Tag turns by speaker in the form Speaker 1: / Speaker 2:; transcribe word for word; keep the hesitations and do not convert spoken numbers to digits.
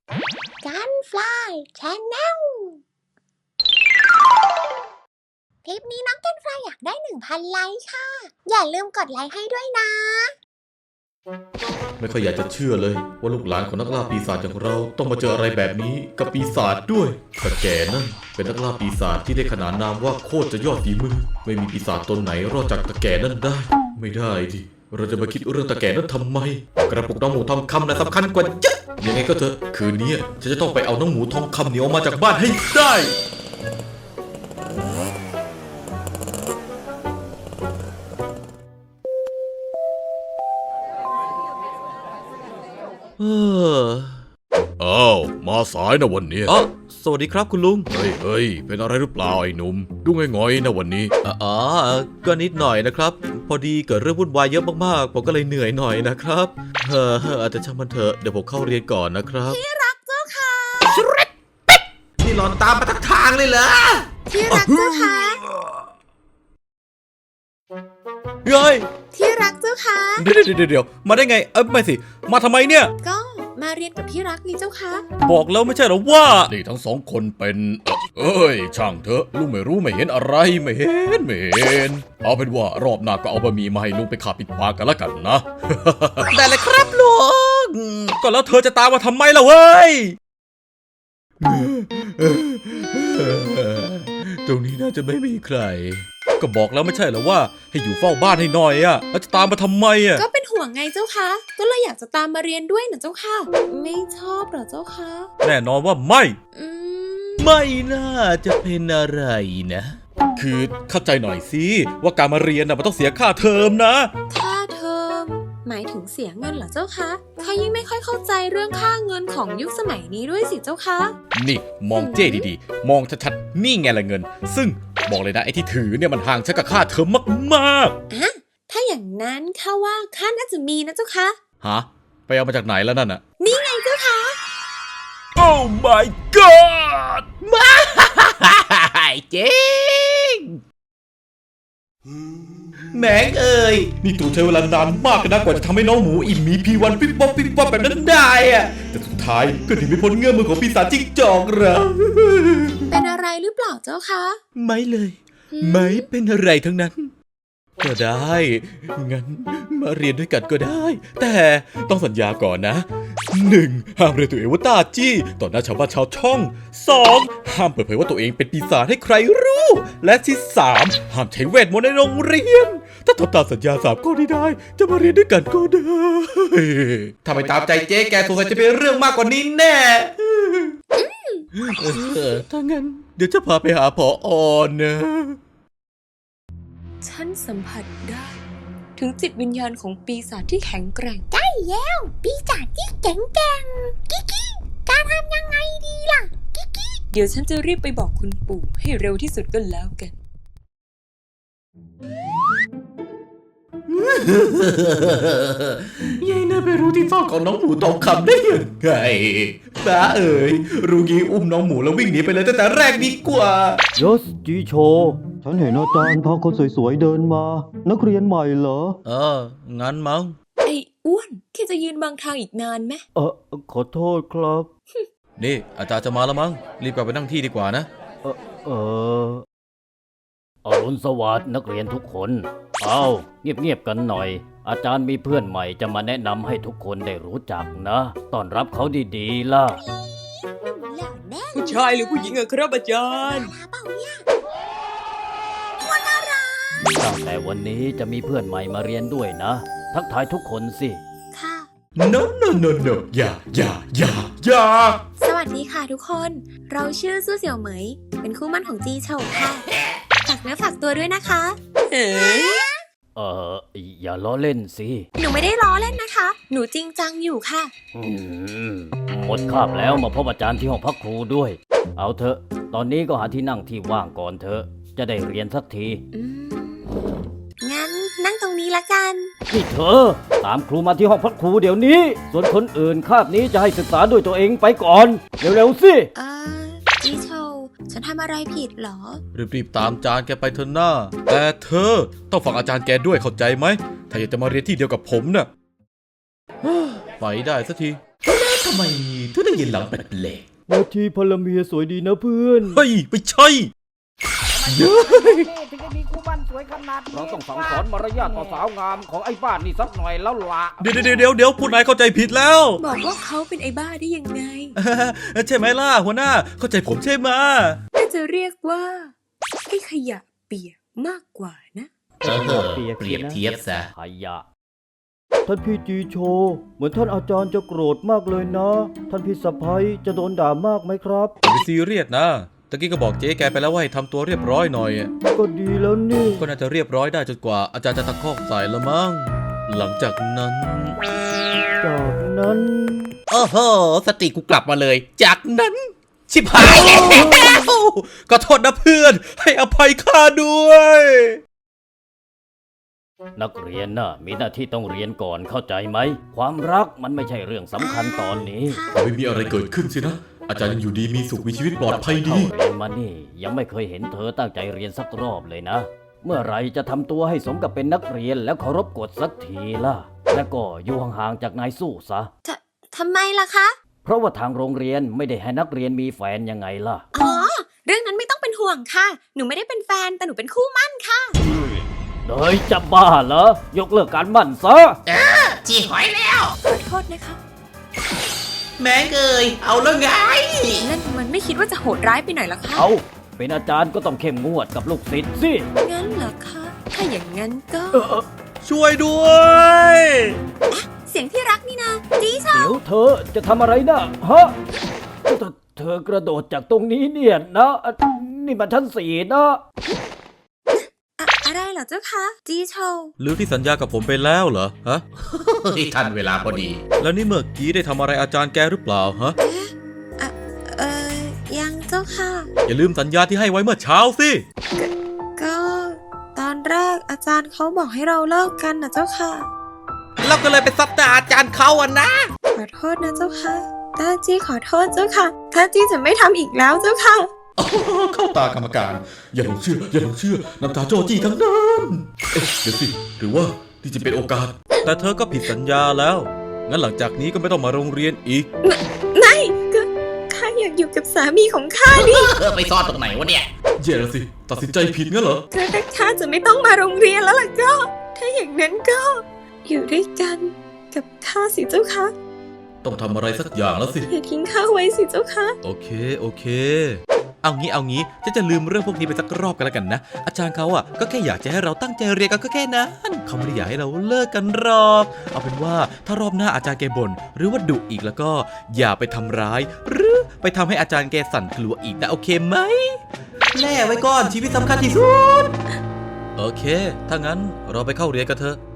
Speaker 1: กันฟลายชาแนลคลิปนี้น้องกันฟลายอยากได้ หนึ่งพัน ไลค์ค่ะอย่าลืมกดไลค์ให้ด้วยนะ
Speaker 2: ไม่ค่อยอยากจะเชื่อเลยว่าลูกหลานของนักล่าปีศาจอย่างเราต้องมาเจออะไรแบบนี้กับปีศาจด้วยตะแก่นั่นเป็นนักล่าปีศาจที่ได้ขนานนามว่าโคตรจะยอดฝีมือไม่มีปีศาจตนไหนรอดจากตะแก่นั่นได้ไม่ได้ดิเราจะมาคิดเรื่องตะแก่นั้นทำไมกระปุกน้องหมูทองคำน่ะสำคัญกว่าเยอะยังไงก็เถอะคืนนี้ฉันจะต้องไปเอาน้องหมูทองคำเหนียวมาจากบ้านให้ได้เอออ้าวมาสายนะวันนี้อ๋อสวัสดีครับคุณลุงเฮ้ยเฮ้ยเป็นอะไรหรือเปล่าไอ้หนุ่มดูง่อยๆนะวันนี้อ๋อก็นิดหน่อยนะครับพอดีเกิดเรื่องวุ่นวายเยอะมากๆผมก็เลยเหนื่อยหน่อยนะครับเอออาจจะช่างมันเถอะเดี๋ยวผมเข้าเรียนก่อนนะครับ
Speaker 1: ที่รักเจ้าค่ะ
Speaker 2: นี่หลอนตามมาทั้งทางเลยเหรอ
Speaker 1: ที่รักเจ้าค่ะ
Speaker 2: เฮ้ย
Speaker 1: ที่รักเจ้าค่ะ
Speaker 2: เดี๋ยวเดี๋ยวเดี๋ยวมาได้ไงเอ้ยไม่สิมาทำไมเนี่ย
Speaker 1: ก็มาเรียนกับที่รักนี่เจ้าค่ะ
Speaker 2: บอกแล้วไม่ใช่หรอว่านี่ทั้งสองคนเป็นเอ้ยช่างเถอะลุงไม่รู้ไม่เห็นอะไรไม่เห็นไม่เห็นเอาเป็นว่ารอบหน้าก็เอาบะหมี่มาให้ลุงไปขาปิดปากกันละกันนะได้เลยครับลุงก็แล้วเธอจะตามมาทำไมล่ะเว้ยตรงนี้น่าจะไม่มีใครก็บอกแล้วไม่ใช่เหรอว่าให้อยู่เฝ้าบ้านให้หน่อยอ่ะแล้วจะตามมาทำไมอ่ะ
Speaker 1: ก็เป็นห่วงไงเจ้าค่ะก็เลยอยากจะตามมาเรียนด้วยนะเจ้าค่ะไม่ชอบเหรอเจ้าค่ะ
Speaker 2: แน่นอนว่าไม่
Speaker 1: อืม
Speaker 2: ไม่น่าจะเป็นอะไรนะคือเข้าใจหน่อยสิว่าการมาเรียนน่ะมันต้องเสียค่าเทอมนะ
Speaker 1: ค่าเทอมหมายถึงเสียเงินเหรอเจ้าคะข้ายิ่งไม่ค่อยเข้าใจเรื่องค่าเงินของยุคสมัยนี้ด้วยสิเจ้าคะ
Speaker 2: นี่มองเจ้ดีๆมองชัดๆนี่ไงละเงินซึ่งบอกเลยนะไอ้ที่ถือเนี่ยมันห่างชักกับค่าเทอมมาก
Speaker 1: ๆอ่ะถ้าอย่างนั้นข้าว่าข้าน่าจะมีนะเจ้าคะ
Speaker 2: ฮะไปเอามาจากไหนแล้วนั่นน่ะ
Speaker 1: นี่ไงเจ้าคะ
Speaker 2: Oh my god มาจริงแหมงเอ้ยนี่ตู่ใช้เวลานานมากนะกว่าจะทำให้น้องหมูอิ่มมีพีวันปิ๊บป๊อบปิ๊บป๊อบแบบนั้นได้อะแต่สุดท้ายก็หนีไม่พ้นเงื้อมือของปีศาจจิ้งจอกเหรอ
Speaker 1: เป็นอะไรหรือเปล่าเจ้าคะ
Speaker 2: ไม่เลยไม่เป็นอะไรทั้งนั้นก็ได้งั้นมาเรียนด้วยกันก็ได้แต่ต้องสัญญาก่อนนะหนึ่งห้ามเรียกตัวเองว่าตาจี้ต่อหน้าชาวบ้านชาวช่องสองห้ามเปิดเผยว่าตัวเองเป็นปีศาจให้ใครรู้และที่สามห้ามใช้เวทมนต์ในโรงเรียนถ้าทำตามสัญญาสามข้อนี้ได้จะมาเรียนด้วยกันก็ได้ถ้าไม่ตามใจเจ๊แกสงสัยจะเป็นเรื่องมากกว่านี้แน่ถ้างั้นเดี๋ยวจะพาไปหาผอ.นะ
Speaker 1: ฉันสัมผัสได้ถึงจิตวิญญาณของปีศาจที่แข็งแกร่งได้แล้วปีศาจที่แข็งแกร่งกิ๊กการทำยังไงดีล่ะกิ๊ก
Speaker 3: เดี๋ยวฉันจะรีบไปบอกคุณปู่ให้เร็วที่สุดก็แล้วกัน
Speaker 2: ยายน่าไปรู้ที่ซ่อนของน้องหมูทองคำได้ยังไงบ้าเอ๋ยรู้งี้อุ้มน้องหมูแล้ววิ่งหนีไปเลยตั้งแต่แรกดีกว่าย
Speaker 4: ศจีโชฉันเห็นอาจารย์พาคนสวยๆเดินมานักเรียนใหม่เหรอ
Speaker 2: เอองั้นมั้ง
Speaker 3: ไอ้อ้วนแค่จะยืนบังทางอีกนานไหม
Speaker 4: เออขอโทษครับ
Speaker 2: นี่อาจารย์จะมาแล้วมั้งรีบกลับไปนั่งที่ดีกว่านะ
Speaker 4: เออเอออรุณสวัสดิ์นักเรียนทุกคนเอาเงียบๆกันหน่อยอาจารย์มีเพื่อนใหม่จะมาแนะนำให้ทุกคนได้รู้จักนะต้อนรับเขาดีๆล่ะ
Speaker 3: ผู้ชายหรือผู้หญิงอะครับอาจารย์
Speaker 4: ตั้งแต่วันนี้จะมีเพื่อนใหม่มาเรียนด้วยนะทักทายทุกคนสิ
Speaker 1: ค่ะ
Speaker 2: no no no no อย่าอย่าอย่าอย่า
Speaker 1: สวัสดีค่ะทุกคนเราชื่อซู่เสี่ยวเหมยเป็นคู่มั่นของจีเฉาค่ะฝากเนื้อฝากตัวด้วยนะคะ
Speaker 3: เอ๋
Speaker 4: เอออย่าล้อเล่นสิ
Speaker 1: หนูไม่ได้ล้อเล่นนะคะหนูจริงจังอยู่ค่ะ
Speaker 4: อืมหมดคาบแล้วมาพบอาจารย์ที่ห้องพักครูด้วยเอาเถอะตอนนี้ก็หาที่นั่งที่ว่างก่อนเถอะจะได้เรียนสักที
Speaker 1: งั้นนั่งตรงนี้ละกัน
Speaker 4: นี่เธอตามครูมาที่ห้องพักครูเดี๋ยวนี้ส่วนคนอื่นคาบนี้จะให้ศึกษาด้วยตัวเองไปก่อนเร็วๆสิ
Speaker 1: เออจีโชฉันทำอะไรผิดเหรอ
Speaker 2: รีบๆตามอาจารย์แกไปเถอะหน้าแต่เธอต้องฟังอาจารย์แกด้วยเข้าใจไหมถ้าอยากจะมาเรียนที่เดียวกับผมน่ะไปได้สักทีทำไมถึงได้ยินหลังแปลก
Speaker 4: นาทีพลเมียสวยดีนะเพื่อน
Speaker 2: ๆเฮ้ยไม่ใช่
Speaker 5: ถึงได้มีคู่บ้านสวยขนาดนี้
Speaker 4: เราต้องสั่งสอนมารยาทต่อสาวงามของไอ้บ้านนี่สักหน่อยแล้วละ
Speaker 2: เดี๋ยวเดี๋ยวเดี๋ยวเดี๋ยวผู้นายเข้าใจผิดแล้ว
Speaker 1: บอกว่าเขาเป็นไอ้บ้าได้ยังไง
Speaker 2: ใช่ไหมล่ะหัวหน้าเข้าใจผมใช่ไหม
Speaker 1: น่าจะเรียกว่าไอ้ขยะเปียกมากกว่านะ
Speaker 2: เออเปรียบเทียบซะ
Speaker 4: ขยะท่านพี่จีโช เหมือนท่านอาจารย์จะโกรธมากเลยนะ ท่านพี่สะพ้ยจะโดนด่ามากไหมครับ
Speaker 2: อย่าไปซีเรียสนะตะกี้ก็บอกเจ๊แกไปแล้วว่าให้ทำตัวเรียบร้อยหน่อย
Speaker 4: ก็ดีแล้วนี่
Speaker 2: ก็น่าจะเรียบร้อยได้จนกว่าอาจารย์จะตะคอกใส่ละมั้งหลังจากนั้น
Speaker 4: จากนั้น
Speaker 2: โอ้โหสติกูกลับมาเลย จากนั้น ชิบหายแล้วก็โทษนะเพื่อน ให้อภัยข้าด้วย
Speaker 4: นักเรียนน่ะมีหน้าที่ต้องเรียนก่อนเข้าใจไหม ความรักมันไม่ใช่เรื่องสำคัญตอนนี้
Speaker 2: ไม่มีอะไรเกิดขึ้นสินะ อาจารย์ยังอยู่ดีมีสุขมีชีวิตปลอดภัยดี
Speaker 4: เข้าเรียนมานี่ยังไม่เคยเห็นเธอตั้งใจเรียนสักรอบเลยนะ เมื่อไหรจะทำตัวให้สมกับเป็นนักเรียนแล้วเคารพกฎสักทีล่ะ แล้วก็อยู่ห่างๆจากนายสู้ซะ
Speaker 1: ททำไมล่ะคะ
Speaker 4: เพราะว่าทางโรงเรียนไม่ได้ให้นักเรียนมีแฟนยังไงล่ะ
Speaker 1: อ๋อ เรื่องนั้นไม่ต้องเป็นห่วงค่ะ หนูไม่ได้เป็นแฟนแต่หนูเป็นคู่มั่นค่ะ
Speaker 4: เฮ้ยจะบ้าเหรอ ยกเลิกการมั่นซะ
Speaker 3: จีหอยแล้ว
Speaker 1: ขอโทษนะคะ
Speaker 3: แม่เกยเอาแล้วไง
Speaker 1: นั่นมันไม่คิดว่าจะโหดร้ายไปหน่อยเหรอคะ
Speaker 4: เอาเป็นอาจารย์ก็ต้องเข้มงวดกับลูกศิษย์สิ
Speaker 1: งั้นเหรอคะ ถ้าอย่างนั้นก็
Speaker 2: ช่วยด้วย
Speaker 1: เสียงที่รักนี่นะจีชา
Speaker 4: เดี๋ยวเธอจะทำอะไรนะฮะเธอเธอกระโดดจากตรงนี้เนี่ยนะอ่ะนี่มันชั้นสี่นะ
Speaker 1: อะอะไรเหรอเจ้าคะ จีโชว์
Speaker 2: หรือที่สัญญากับผมไปแล้วเหรอ ฮะ
Speaker 3: ที่ทันเวลาพอดี
Speaker 2: แล้วนี่เมื่อกี้ได้ทำอะไรอาจารย์แกหรือเปล่าฮะ
Speaker 1: เอ่อ ยังเจ้าค่ะ
Speaker 2: อย่าลืมสัญญาที่ให้ไว้เมื่อเช้าสิ
Speaker 1: ก็ ตอนแรกอาจารย์เขาบอกให้เราเลิกกันนะเจ้าค่ะ
Speaker 2: เราก็เลยไปซัดดาอาจารย์เขาอ่ะนะ
Speaker 1: ขอโทษนะเจ้าค่ะตาจี้ขอโทษเจ้าค่ะตาจี้จะไม่ทำอีกแล้วเจ้าค่ะ
Speaker 2: เข้าตากรรมการ อย่าหลงเชื่อ อย่าหลงเชื่อ น้ำตาโจจี้ทั้งนั้นเอ๊ะเดี๋ยวสิ หรือว่าที่จะเป็นโอกาส แต่เธอก็ผิดสัญญาแล้ว งั้นหลังจากนี้ก็ไม่ต้องมาโรงเรียนอีก
Speaker 1: ไม่ก็ข้าอยากอยู่กับสามีของข้าดิ
Speaker 3: เออไปซ่อนตรงไหนวะเนี่ย
Speaker 2: เย่แล้วสิ ตัดสินใจผิดงั้นเหรอ
Speaker 1: ถ้าแต่ข้าจะไม่ต้องมาโรงเรียนแล้วล่ะก็ ถ้าอย่างนั้นก็ อยู่ด้วยกันกับข้าสิเจ้าค่ะ
Speaker 2: ต้องทำอะไรสักอย่างแล้วสิ
Speaker 1: อย่าทิ้งข้าไว้สิเจ้าค่ะ
Speaker 2: โอเค โอเค เอางี้ เอางี้ฉันจะลืมเรื่องพวกนี้ไปสักรอบกันแล้วกันนะ อาจารย์เขาอ่ะก็แค่อยากจะให้เราตั้งใจเรียนกันก็แค่นั้นเขาไม่ได้อยากให้เราเลิกกันหรอก เอาเป็นว่าถ้ารอบหน้าอาจารย์แกบ่นหรือว่าดุอีกแล้วก็อย่าไปทำร้าย หรือไปทำให้อาจารย์แกสั่นกลัวอีกนะโอเคไหมแน่ไว้ก่อนชีวิตสำคัญที่สุด โอเค ถ้างั้นเราไปเข้าเรียนกันเถอะ